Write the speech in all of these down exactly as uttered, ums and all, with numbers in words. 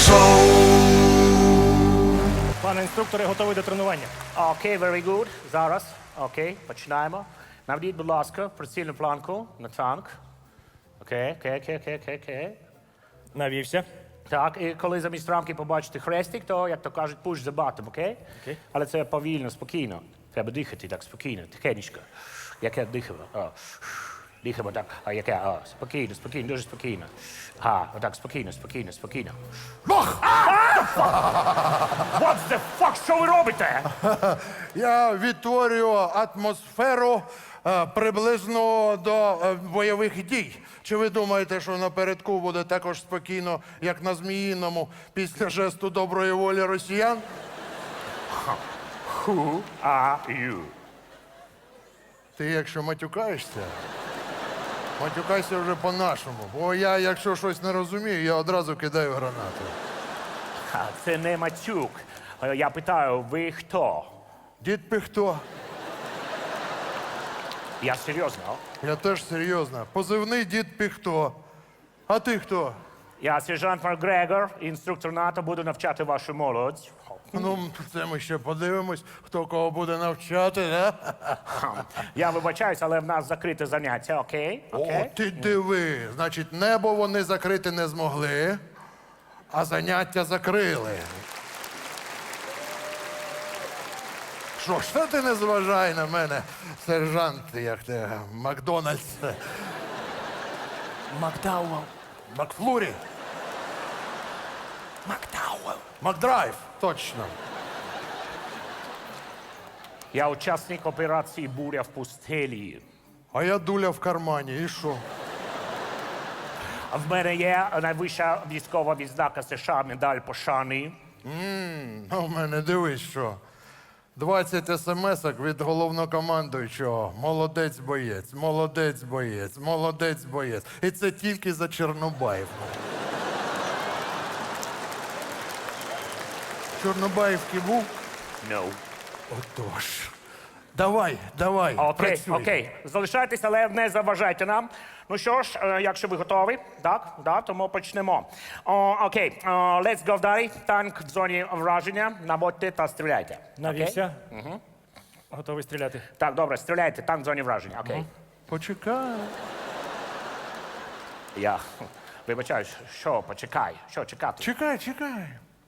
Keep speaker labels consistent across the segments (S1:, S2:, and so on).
S1: шоу.
S2: Пане інструкторе, готовий до тренування.
S3: Окей, very good. Зараз. Окей, починаємо. Наведіть, будь ласка, прицільну планку на танк. Окей, окей, окей, окей, окей, окей.
S2: Навівся.
S3: Так, і коли замість рамки побачите хрестик, то, як то кажуть, push the button, окей?
S2: Окей.
S3: Але це повільно, спокійно. Треба дихати так спокійно, тихенечко. Яке дихаємо? О. Дихаємо так, а яке? О, спокійно, спокійно, дуже спокійно. А, отак, спокійно, спокійно, спокійно.
S1: Бог!
S3: What the fuck, що ви робите?
S1: Я відтворюю атмосферу е, приблизно до е, бойових дій. Чи ви думаєте, що напередку буде також спокійно, як на Зміїному, після жесту доброї волі росіян?
S3: Who are you?
S1: Ти якщо матюкаєшся, матюкайся вже по-нашому. Бо я, якщо щось не розумію, я одразу кидаю гранату.
S3: А, це не матюк. Е, Я питаю, ви хто?
S1: Дід Пихто.
S3: Я серйозно.
S1: Я теж серйозно. Позивний дід Пихто. А ти хто?
S3: Я сержант Макгрегор, інструктор НАТО, буду навчати вашу молодь.
S1: Ну, це ми ще подивимось, хто кого буде навчати, да?
S3: Я вибачаюсь, але в нас закрите заняття, окей?
S1: О,
S3: Окей?
S1: ти диви. Значить, небо вони закрити не змогли, а заняття закрили. Що ж, та ти не зважай на мене, сержант, як ти, Макдональдс.
S2: Макдауел.
S1: Макфлурі.
S2: Макдауел.
S1: Макдрайв, точно.
S3: Я учасник операції «Буря в пустелі».
S1: А я дуля в кармані, і що?
S3: В мене є найвища військова відзнака США, медаль пошани.
S1: А в мене дивись, що. двадцять смс-ок від головнокомандуючого. Молодець боєць, молодець боєць, молодець боєць. І це тільки за Чорнобаїв. Чорнобаївки був?
S3: No.
S1: Отож. Давай, давай,
S3: Окей,
S1: працюй.
S3: окей. Залишайтесь, але не заважайте нам. Ну що ж, е, якщо ви готові, так, да, тому почнемо. О, окей, о, let's go далі. Танк в зоні враження. Наводьте та стріляйте.
S2: Навівся. Угу. Готовий стріляти.
S3: Так, добре, стріляйте, танк в зоні враження, окей.
S1: Почекай.
S3: Я вибачаюсь, що, почекай, що чекати?
S1: Чекай, чекай.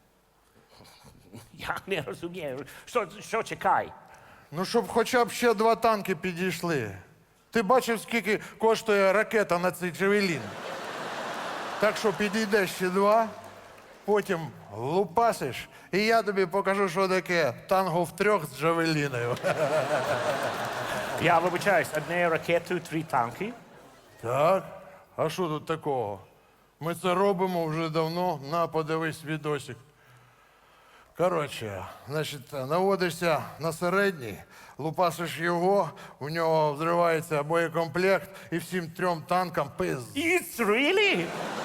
S3: Я не розумію, що, що чекай?
S1: Ну, щоб хоча б ще два танки підійшли. Ти бачив, скільки коштує ракета на цей Джавелін? Так що підійде ще два, потім лупасиш, і я тобі покажу, що таке танго в трьох з Джавеліною.
S3: Я вибачаюсь, однією ракетою три танки.
S1: Так? А що тут такого? Ми це робимо вже давно. На, подивись відосик. Коротше, значить, наводишся на середній, лупасиш його, у нього взривається боєкомплект і всім трьом танкам пиз.
S3: It's really?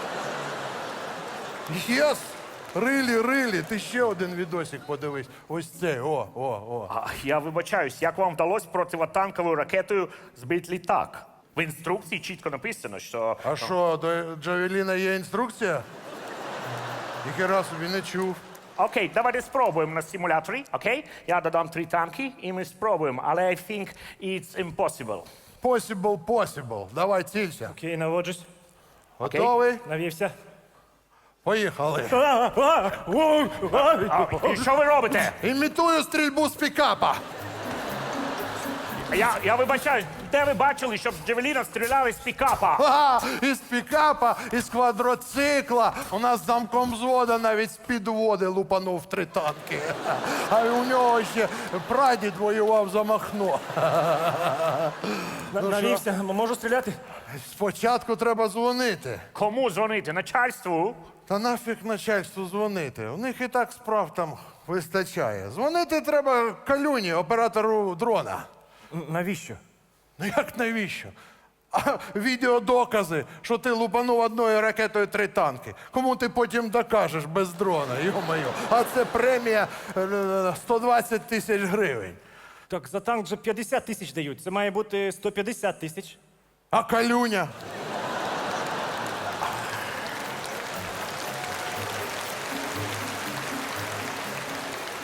S1: Єс! Рилі, рилі, ти ще один відосик подивись. Ось цей, о, о, о.
S3: А, я вибачаюсь, як вам вдалося противотанковою ракетою збити літак? В інструкції чітко написано, що...
S1: А що, до Джавеліна є інструкція? Ніхера собі не чув.
S3: Окей, давайте спробуємо на симуляторі, окей? Я додам три танки, і ми спробуємо, але I think it's impossible.
S1: Possible, possible. Давай цілься.
S2: Окей, наводжусь.
S1: Готовий?
S2: Навівся.
S1: Поїхали.
S3: А, і що ви робите?
S1: Імітую стрільбу з пікапа.
S3: Я, я вибачаюсь, де ви бачили, щоб з Джавеліна стріляли з пікапа?
S1: Ага, із пікапа, із квадроцикла. У нас замком взвода навіть з підводи лупанув три танки. А у нього ще прадід воював за Махно.
S2: На-
S1: Ну,
S2: Навівся. Можу стріляти?
S1: Спочатку треба дзвонити.
S3: Кому дзвонити? Начальству?
S1: Та нафіг начальству дзвонити. У них і так справ там вистачає. Дзвонити треба Калюні, оператору дрона.
S2: Н- Навіщо?
S1: Ну як навіщо? А відеодокази, що ти лупанув одною ракетою три танки. Кому ти потім докажеш без дрона, йо-моє. А це премія е, сто двадцять тисяч гривень.
S2: Так, за танк вже п'ятдесят тисяч дають. Це має бути сто п'ятдесят тисяч.
S1: А Калюня?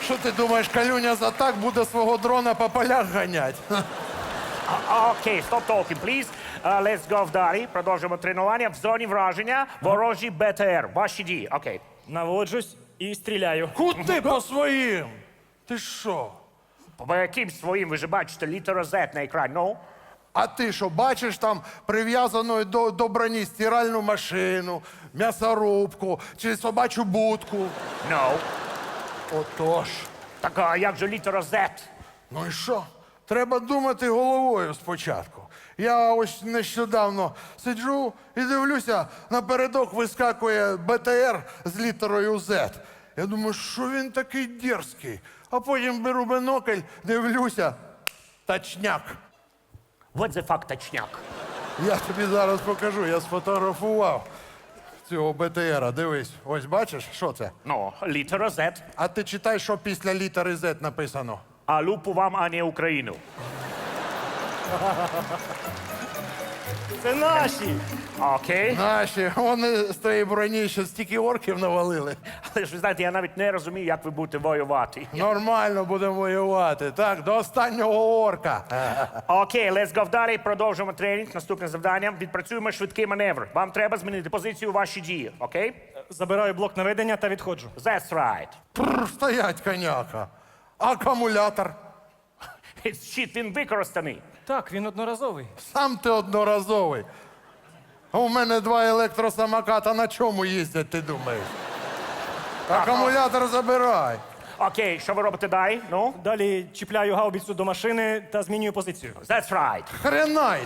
S1: Що ти думаєш, Калюня за так буде свого дрона по полях ганять?
S3: А, Окей, stop talking, please. Uh, let's go вдарі. Продовжуємо тренування. В зоні враження ворожі БТР. Ваші дії. Окей.
S2: Наводжусь і стріляю.
S1: Куди по своїм? Ти що?
S3: По яким своїм ви ж бачите літеру Z на екрані? Ну?
S1: А ти що, бачиш там прив'язану до, до броні стиральну машину, м'ясорубку чи собачу будку?
S3: No.
S1: Отож.
S3: Так а як же літера Z?
S1: Ну і що? Треба думати головою спочатку. Я ось нещодавно сиджу і дивлюся, напередок вискакує БТР з літерою Z. Я думаю, що він такий дерзкий. А потім беру бинокль, дивлюся, точняк.
S3: What the fuck, точняк?
S1: Я тобі зараз покажу, я сфотографував цього БТРа. Дивись, ось бачиш, що це?
S3: Ну, літера Z.
S1: А ти читай, що після літери Z написано.
S3: А лупу вам, а не Україну.
S2: Це наші!
S3: Окей.
S1: Наші, вони з тієї броні ще стільки орків навалили.
S3: Але ж ви знаєте, я навіть не розумію, як ви будете воювати.
S1: Нормально будемо воювати. Так, до останнього орка.
S3: Окей, let's go далі. Продовжуємо тренінг. Наступне завдання. Відпрацюємо швидкий маневр. Вам треба змінити позицію ваші дії. Окей?
S2: Забираю блок наведення та відходжу.
S3: That's right.
S1: Прр, стоять, коняка. Акумулятор.
S3: Щит, він використаний.
S2: Так, він одноразовий.
S1: Сам ти одноразовий. А у мене два електросамоката на чому їздять, ти думаєш? Акумулятор забирай.
S3: Окей, що ви робите далі? Ну?
S2: Далі чіпляю гаубіцю до машини та змінюю позицію.
S3: That's right.
S1: Хренайт.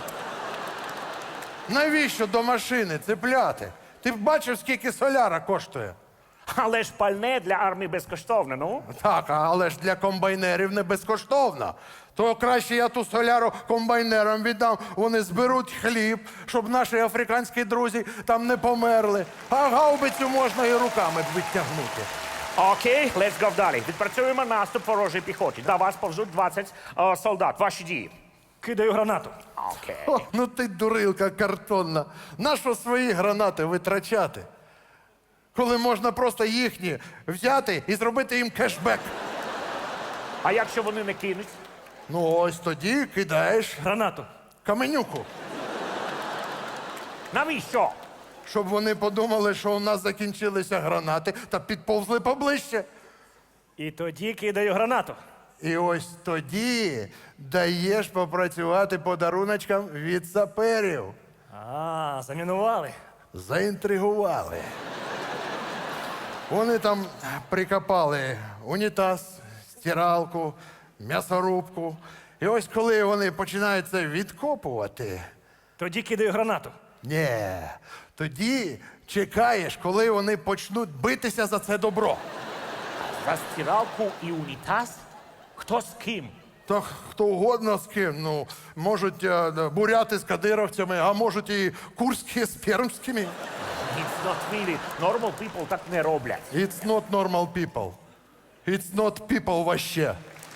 S1: Навіщо до машини цепляти? Ти б бачив, скільки соляра коштує?
S3: Але ж пальне для армії безкоштовне, ну?
S1: Так, але ж для комбайнерів не безкоштовно. То краще я ту соляру комбайнерам віддам. Вони зберуть хліб, щоб наші африканські друзі там не померли. А гаубицю можна і руками відтягнути.
S3: Окей, let's go далі. Відпрацюємо наступ ворожої піхоті. До вас повзуть двадцять е, солдат. Ваші дії.
S2: Кидаю гранату.
S3: Окей.
S1: О, ну ти дурилка картонна. Нащо свої гранати витрачати? Коли можна просто їхні взяти і зробити їм кешбек.
S3: А якщо вони не кинуть?
S1: Ну ось тоді кидаєш
S2: Гранату.
S1: каменюку.
S3: Навіщо?
S1: Щоб вони подумали, що у нас закінчилися гранати та підповзли поближче.
S2: І тоді кидаю гранату.
S1: І ось тоді даєш попрацювати подаруночкам від саперів.
S2: А, замінували.
S1: Заінтригували. Вони там прикопали унітаз, стиралку, м'ясорубку. І ось коли вони починають це відкопувати,
S2: Тоді кидаю гранату.
S1: ні, тоді чекаєш, коли вони почнуть битися за це добро.
S3: За стиралку і унітаз? Хто з ким?
S1: То хто угодно з ким, ну, можуть е, буряти з кадировцями, а можуть і курські з пермськими.
S3: It's not really. Normal people так не роблять.
S1: It's not normal people. It's not people вообще.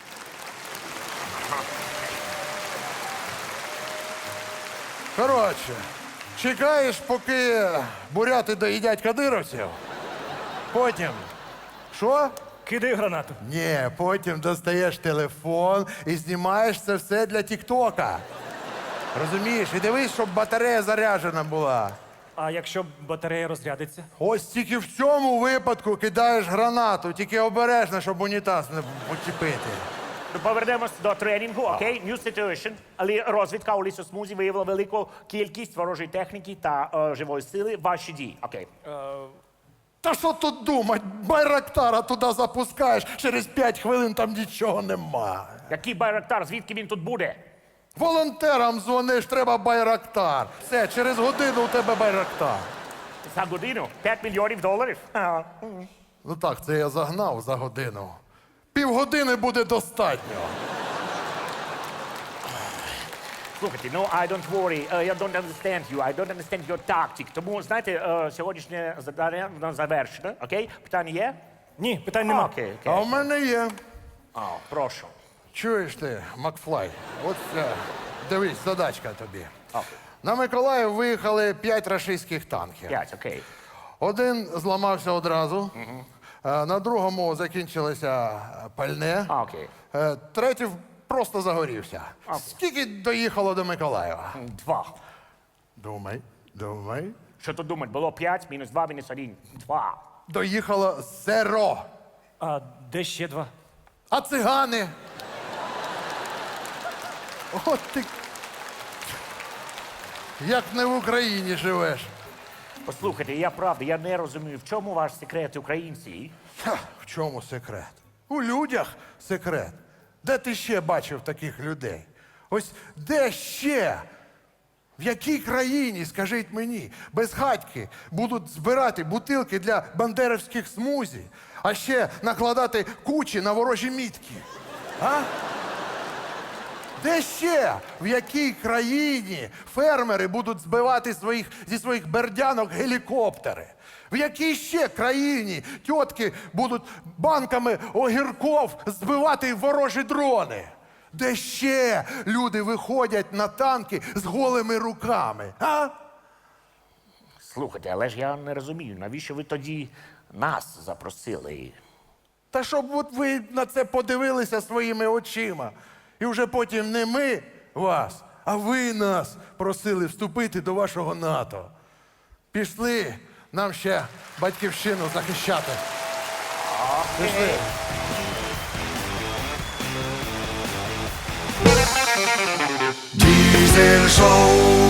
S1: Коротше, чекаєш, поки буряти доїдять кадировців. Потім. Що?
S2: Кидаю гранату.
S1: Ні, потім достаєш телефон і знімаєш це все для Тіктока. Розумієш? І дивись, щоб батарея заряджена була.
S2: А якщо батарея розрядиться?
S1: Ось тільки в цьому випадку кидаєш гранату, тільки обережно, щоб унітаз не почепити.
S3: Ну, повернемось до тренінгу, окей? New situation. Але розвідка у лісосмузі виявила велику кількість ворожої техніки та е, живої сили. Ваші дії, окей.
S1: Та що тут думать? Байрактара туди запускаєш, через п'ять хвилин там нічого нема.
S3: Який байрактар, звідки він тут буде?
S1: Волонтерам дзвониш, треба байрактар. Все, через годину у тебе байрактар.
S3: За годину? п'ять мільйонів доларів? Ага.
S1: Ну так, це я загнав за годину. Півгодини буде достатньо.
S3: Слухайте, ну, I don't worry, uh, I don't understand you, I don't understand your tactic. Тому, знаєте, е, сьогоднішнє завдання воно завершено, окей? Питання є?
S2: Ні, питань нема.
S3: Окей,
S1: А
S3: окей.
S1: в мене є.
S3: А, прошу.
S1: Чуєш ти, Макфлай? От е, дивись, задачка тобі.
S3: Окей.
S1: На Миколаїв виїхали п'ять рашистських танків.
S3: П'ять, окей.
S1: Один зламався одразу, Е, На другому закінчилося пальне.
S3: А, окей.
S1: Е, Третій просто загорівся.
S3: А.
S1: Скільки доїхало до Миколаєва?
S3: Два.
S1: Думай, думай.
S3: Що тут думати? Було п'ять, мінус два, мінус один. Два.
S1: Доїхало зеро.
S2: А де ще два?
S1: А цигани? От ти. Як не в Україні живеш.
S3: Послухайте, я правда, я не розумію, в чому ваш секрет, українці?
S1: Ха, в чому секрет? У людях секрет. Де ти ще бачив таких людей? Ось де ще? В якій країні, скажіть мені, безхатьки будуть збирати бутилки для бандерівських смузі, а ще накладати кучі на ворожі мітки? А? Де ще? В якій країні фермери будуть збивати своїх, зі своїх бердянок гелікоптери? В якій ще країні тітки будуть банками огірков збивати ворожі дрони? Де ще люди виходять на танки з голими руками? А?
S3: Слухайте, але ж я не розумію, навіщо ви тоді нас запросили?
S1: Та щоб от ви на це подивилися своїми очима. І вже потім не ми вас, а ви нас просили вступити до вашого НАТО. Пішли нам ще батьківщину захищати. Пішли.
S4: Diesel Show.